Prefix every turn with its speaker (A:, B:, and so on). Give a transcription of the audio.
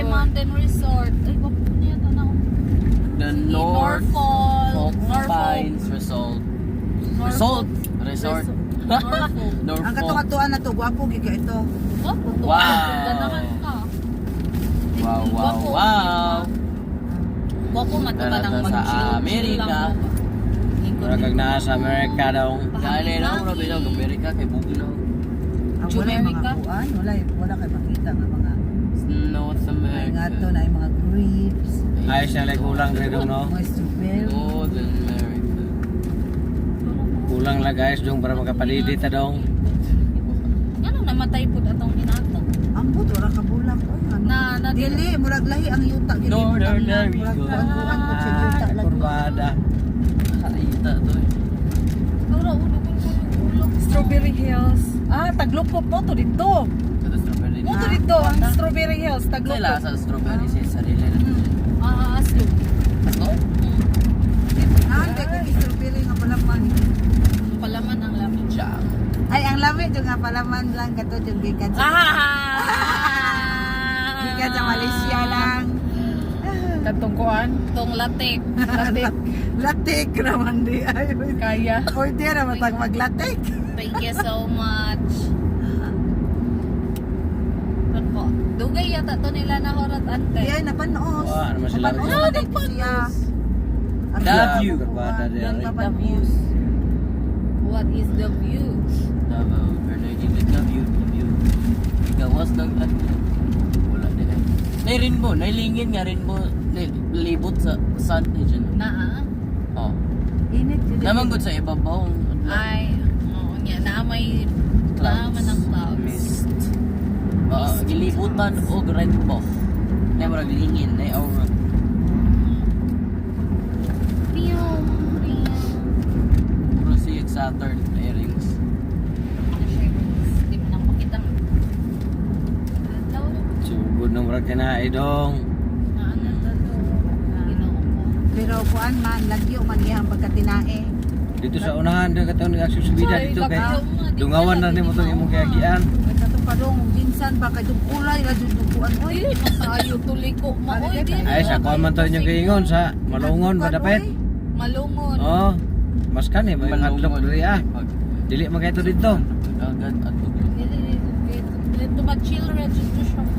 A: Mountain Resort. Ay, bapo niya tanaw.
B: The Norfolk
A: Norfolk.
B: Pines Resort. Resort.
A: Norfolk.
C: Ang katungatuan na to, gwapo giga ito.
A: Bapo to.
B: Wow.
A: Ganahan ka.
B: Wow.
A: Bapo matagal ang
B: Nasa
A: mag-chill.
B: Amerika.
D: Maragag na sa Amerika daw.
B: Kaya na ako na bilang Amerika kay Bugnaw.
C: Ang wala yung
A: Jamaica?
C: mga kuan, wala kayo makita nga mga
B: North
C: ay nga to
B: America.
C: na yung mga grapes,
D: Ayos na lang kulang rin daw, no?
C: mga strawberry.
B: Northern America.
D: Kulang lang guys dong para makapalidit ta dong.
A: Ano namatay po atong hinato?
C: Ang buto, wala ka bulang. Oy, ano? Dili, murag lahi ang yuta. Dili,
B: Northern
C: murag
B: America.
C: kuan po siya yuta lang.
D: Kurbada.
B: Kaita to eh.
A: Dura ulo ko.
E: Strawberry Hills. Ah, Taglupop mo to dito.
B: Ito strawberry.
E: Mo to dito ang Strawberry Hills,
B: Kaya
E: Taglupop.
B: lasa strawberry siya sarili na.
A: Aslo.
B: Asko?
C: Ah, hindi ko yung strawberry nga palaman.
A: Palaman ang lamin.
B: Jam.
C: Ay, ang lamig yung nga palaman lang kato yung gikan sa gikan sa Malaysia lang.
E: Katong kuan,
A: Tong latik.
C: Latik naman di ay.
E: kaya.
C: Pwede na matag maglatik.
A: Thank you so much. Ako. Dugay yata to nila na horat ante.
C: Di ay napanos.
D: Wah, naman sila.
C: Napanos
A: Ah,
C: naman dito siya. Ang
B: The
C: ganda
B: view.
C: ko,
D: Kurbada
C: ang
D: di
C: ganda
D: ay.
C: pa
A: The
C: ng
A: views. What is the view?
B: Davao. Pero hindi ka view. Ikawas ng wala din eh. Nay rainbow. Nailingin nga rainbow. Libot sa sun eh dyan.
A: Naa.
B: Oh.
C: Init yun.
B: Namanggod sa ibabaw.
A: Ay, oo niya. Naamay naman ng clouds.
B: Mist. Gilibutan o rainbow. Na marag lingin. Na aura.
A: Piyong.
B: Puro si Saturn airings.
A: Hindi mo nang makita. Hello.
D: Sugod ng murag kinaay dong.
A: Ano to to? Ginoo ko.
C: Pero kuan man, lagyo man iyang pagkatinae.
D: Dito sa unahan doon katong nag-aksyon subida dito kay dungawan na nimo tong imong kayagian.
C: Ay katong padong, ginsan ba kay itong kulay, radyo dukuan. Oy,
A: Dili masayo tuloy ko. Maoy din.
D: Ay sa kuan man to inyong kaingon sa malungon ba dapat?
A: Malungon.
D: Oh. Mas kani may adlok diri ah. Dili man kay to dito.
B: Agad at tubig.
A: Dili to mag-chill rin dito siya.